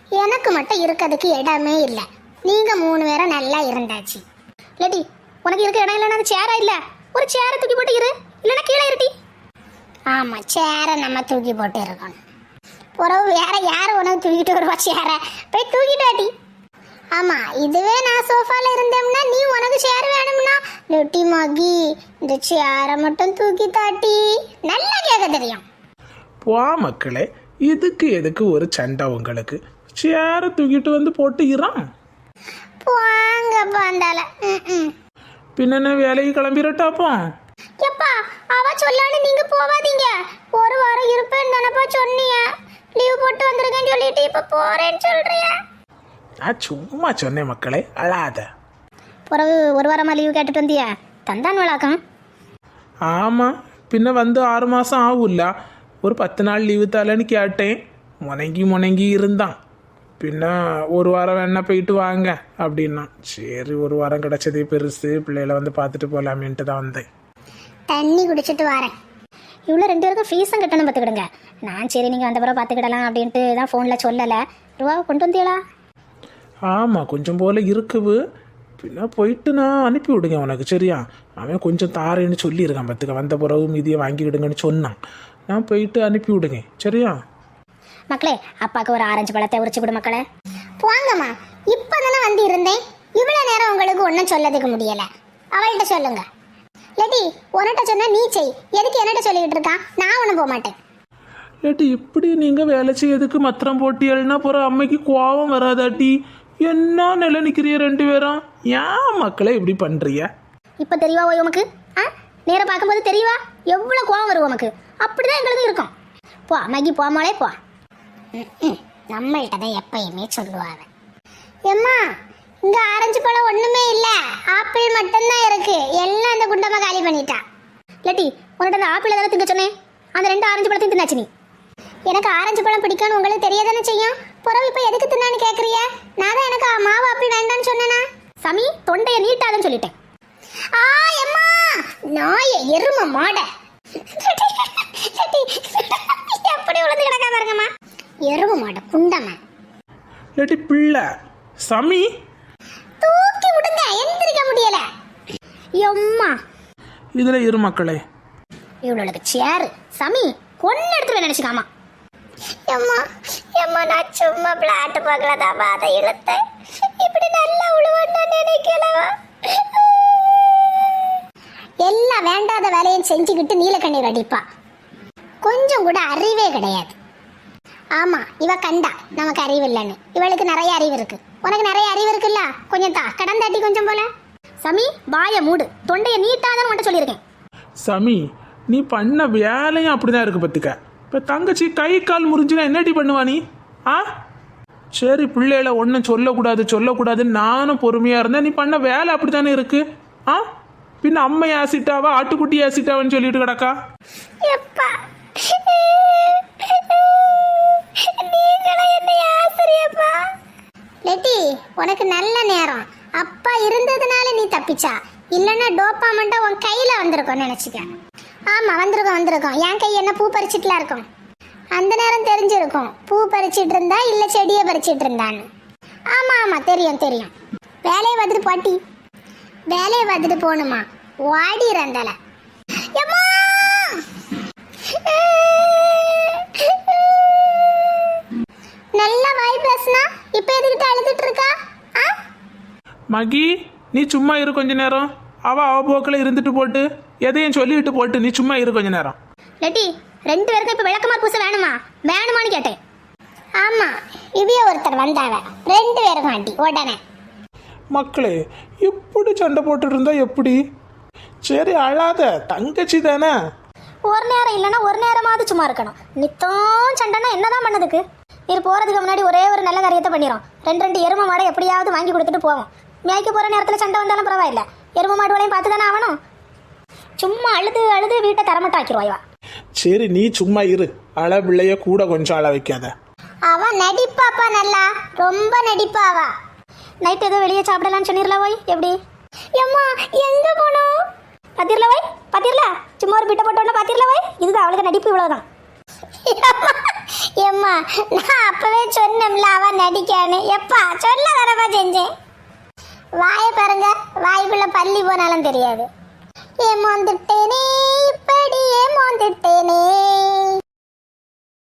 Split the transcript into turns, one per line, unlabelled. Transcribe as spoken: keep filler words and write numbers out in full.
எனக்கு மட்டும் இருக்கிறதுக்கு இடமே இல்லை. நீங்க மூணு பேரும் நல்லா இருந்தாச்சு. இல்லாட்டி உனக்கு இருக்க இடம் இல்லைன்னா அது சேரா இல்லை, ஒரு சேரை தூக்கி போட்டு இரு, இல்லைன்னா கீழே இருட்டி. ஆமா, சேரை நம்ம தூக்கி போட்டு இருக்கணும். பிறகு வேற யாரும் உனக்கு தூக்கிட்டு வருவா சேரை? போய் தூக்கிட்டு வாட்டி. ஆமா, இதுவே நான் சோஃபால இருந்தேன்னா நீ உனக்கு சேர் வேணும்னா லொட்டி மகி இந்த சேரை மட்டும் தூக்கி தாட்டி நல்லா கேட்க தெரியும்.
போ மக்களே, இதுக்கு எதுக்கு ஒரு சண்டை உங்களுக்கு? சேரை தூக்கிட்டு வந்து போட்டு இறான்.
போங்க பாண்டால.
பின்ன வேலைக்கு கிளம்பிடட்டாப்போ.
எப்பா அவ சொல்லான்னு நீங்க போவாதீங்க. ஒரு வாரம் இருப்பேன்னு நினைப்பா சொன்னீங்க. லீவ் போட்டு வந்திருக்கேன்னு சொல்லிட்டு இப்ப போறேன்னு சொல்றியா?
நான் சும்மா சொன்னேன் மக்களே, அழாத.
பிறகு ஒரு வாரமா லீவு கேட்டுட்டு வந்தியா? தந்தான் வழக்கம்.
ஆமாம், பின்ன வந்து ஆறு மாதம் ஆகும்ல, ஒரு பத்து நாள் லீவு தரலன்னு கேட்டேன். முனங்கி முனங்கி இருந்தான். பின்ன ஒரு வாரம் வேணா போயிட்டு வாங்க அப்படின்னா, சரி ஒரு வாரம் கிடச்சதே பெருசு, பிள்ளைகளை வந்து பார்த்துட்டு போகலாமேன்ட்டு தான் வந்தேன்.
தண்ணி குடிச்சிட்டு வரேன். இவ்வளோ ரெண்டு பேருக்கும் ஃபீஸும் கட்டணும் பார்த்துக்கிடுங்க. நான் சரி நீங்கள் வந்த பிறகு பார்த்துக்கிடலாம் அப்படின்ட்டு தான் ஃபோனில் சொல்லலை. ரூபாவை கொண்டு வந்தீங்களா?
ஆமாம், கொஞ்சம் போல் இருக்குது. பின்ன போயிட்டு நான் அனுப்பி விடுங்க உனக்கு, சரியா? அவன் கொஞ்சம் தாரேன்னு சொல்லியிருக்கான் பார்த்துக்க, வந்த பிறகு மீதியை வாங்கிவிடுங்கன்னு சொன்னான். நான் போயிட்டு அனுப்பி விடுங்க, சரியா?
மக்களே, அப்பாவுக்கு ஒரு ஆரஞ்சு பழத்தை உரிச்சு விடு மக்களே. போங்கம்மா, இப்போ தானே வந்து இருந்தேன். இவ்வளோ நேரம் உங்களுக்கு ஒன்றும் சொல்லதுக்கு முடியலை. அவள்கிட்ட சொல்லுங்க. லட்டி உன்கிட்ட சொன்னா நீ செய். எதுக்கு என்னட்ட சொல்லிக்கிட்டு இருக்கான்? நான் ஒன்றும் போக மாட்டேன்.
ஏட்டி இப்படி நீங்கள் வேலை செய்யறதுக்கு மத்திரம் போட்டியல்னா போகிற அம்மைக்கு கோபம் வராதாட்டி? என்ன நிலை நிற்கிறிய ரெண்டு பேரும்? ஏன் மக்களே இப்படி பண்ணுறிய?
இப்போ தெரியவா ஓய் உமக்கு? ஆ, நேராக பார்க்கும்போது தெரியவா எவ்வளோ கோவம் வரும் உமக்கு? அப்படிதான் எங்களுக்கு இருக்கும். போ அம்மாக்கி போமாலே போ. நம்மள்கிட்ட தான் எப்பயுமே சொல்லுவாங்க. எம்மா இங்கே ஆரஞ்சு பழம் ஒன்றுமே இல்லை, ஆப்பிள் மட்டும்தான் இருக்கு. எல்லாம் அந்த குண்டமாக காலி பண்ணிட்டா. லட்டி உன்கிட்ட அந்த ஆப்பிள் எதாவது திங்க சொன்னேன். அந்த ரெண்டு ஆரஞ்சு பழத்தையும் தின்னாச்சு நீ. எனக்கு ஆரஞ்சு பழம் பிடிக்கும்னு உங்களுக்கு தெரியாதானே செய்யும். புறவு இப்போ எதுக்கு தின்னான்னு கேட்குறிய? நான் தான் எனக்கு மாவு ஆப்பிள் வேண்டான்னு சொன்னேனா? சமி தொண்டையை நீட்டாதுன்னு சொல்லிட்டேன். ஆ எம்மா நாய எரும மாட எப்படி உழுந்து கிடக்கா பாருங்கம்மா. எரும மாட குண்டம்மா.
இல்லாட்டி பிள்ளை சமி
தூக்கி விடுங்க, எந்திரிக்க முடியல. எம்மா
இதுல இரு மக்களே.
இவளுக்கு சேரு சமி கொன்னு எடுத்து நினைச்சுக்காமா. எம்மா எம்மா நான் சும்மா பிளாட் பார்க்கலதான் அதை இழுத்தேன். இப்படி நல்லா உழுவன்னு நினைக்கலவா? எல்லா வேண்டாத வேலையும் செஞ்சுக்கிட்டு நீலக்கண்ணீர் அடிப்பா. கொஞ்சம் கூட அறிவே கிடையாது. ஆமா, இவ கண்டா நமக்கு அறிவு இல்லைன்னு. இவளுக்கு நிறைய அறிவு இருக்கு. உனக்கு நிறைய அறிவு இருக்குல்ல, கொஞ்சம் தா கடன் தாட்டி கொஞ்சம் போல. சமி வாய மூடு, தொண்டையை நீட்டாதான் உன்ட்ட சொல்லியிருக்கேன்.
சமி நீ பண்ண வேலையும் அப்படிதான் இருக்கு பத்துக்க. இப்போ தங்கச்சி கை கால் முறிஞ்சுனா என்னடி பண்ணுவா நீ? ஆ சரி, பிள்ளைகளை ஒன்றும் சொல்லக்கூடாது சொல்லக்கூடாதுன்னு நானும் பொறுமையாக இருந்தேன். நீ பண்ண வேலை அப்படி தானே இருக்கு. ஆ பின்ன அம்மை ஆசிட்டாவா ஆட்டுக்குட்டி ஆசிட்டாவான்னு சொல்லிட்டு கிடக்கா.
லெட்டி உனக்கு நல்ல நேரம். அப்பா இருந்ததுனால நீ தப்பிச்சா, இல்லைன்னா டோப்பா மட்டும் உன் கையில வந்திருக்கும் நினைச்சுக்க. ஆமா வந்திருக்கோம் வந்திருக்கோம். என் கை என்ன பூ பறிச்சிட்டுலாம் இருக்கும். அந்த நேரம் தெரிஞ்சிருக்கும் பூ பறிச்சிட்டு இருந்தா இல்ல செடியை பறிச்சிட்டு இருந்தான்னு. ஆமா ஆமா தெரியும் தெரியும். வேலையை வந்துட்டு பாட்டி, வேலையை வந்துட்டு போகணுமா? வாடி இருந்தால நல்லா வாய் பேசுனா இப்ப எதுக்கிட்ட அழுதுட்டு இருக்கா?
மகி நீ சும்மா இரு கொஞ்ச நேரம். அவ அவ போக்கில் இருந்துட்டு போட்டு எதையும் சொல்லிட்டு போட்டு நீ சும்மா இரு கொஞ்ச நேரம்.
லெட்டி ரெண்டு பேருக்கும் இப்ப விளக்கமா பூச வேணுமா வேணுமான்னு கேட்டேன். ஆமா இவ்விய ஒருத்தர் வந்தாவ, ரெண்டு பேரும் ஆண்டி உடனே.
மக்களே இப்படி சண்டை போட்டுட்டு இருந்தா எப்படி? சரி அழாத, தங்கச்சி தானே.
ஒரு நேரம் இல்லைன்னா ஒரு நேரமாவது சும்மா இருக்கணும். நித்தம் சண்டைனா என்னதான் பண்ணதுக்கு? இது போறதுக்கு முன்னாடி ஒரே ஒரு நல்ல காரியத்தை பண்ணிடும். ரெண்டு ரெண்டு எரும மாடை எப்படியாவது வாங்கி கொடுத்துட்டு போவோம். மேய்க்க போற நேரத்தில் சண்டை வந்தாலும் பரவாயில்ல, எரும மாடுகளையும் பார்த்து தானே ஆகணும். சும்மா அழுது அழுது வீட்டை தரமட்டம் ஆக்கிடுவாய்வா.
சரி நீ சும்மா இரு, அழ பிள்ளைய கூட கொஞ்சம் அழ வைக்காத.
அவ நடிப்பாப்பா, நல்லா ரொம்ப நடிப்பாவா. நைட் ஏதோ வெளியே சாப்பிடலான்னு சொன்னிரல போய் எப்படி? எம்மா எங்க போனோம் பாத்திரல போய் பாத்திரல சும்மா ஒரு பிட்ட போட்டோன்னா பாத்திரல போய். இதுதான் அவளுக்கு நடிப்பு, இவ்வளவுதான். ஏம்மா நான் அப்பவே சொன்னேன்ல அவ நடிக்கான்னு. எப்பா சொல்ல வரமா செஞ்சேன். வாயை பாருங்க, வாய்க்குள்ள பள்ளி போனாலும் தெரியாது. ஏமாந்துட்டேனே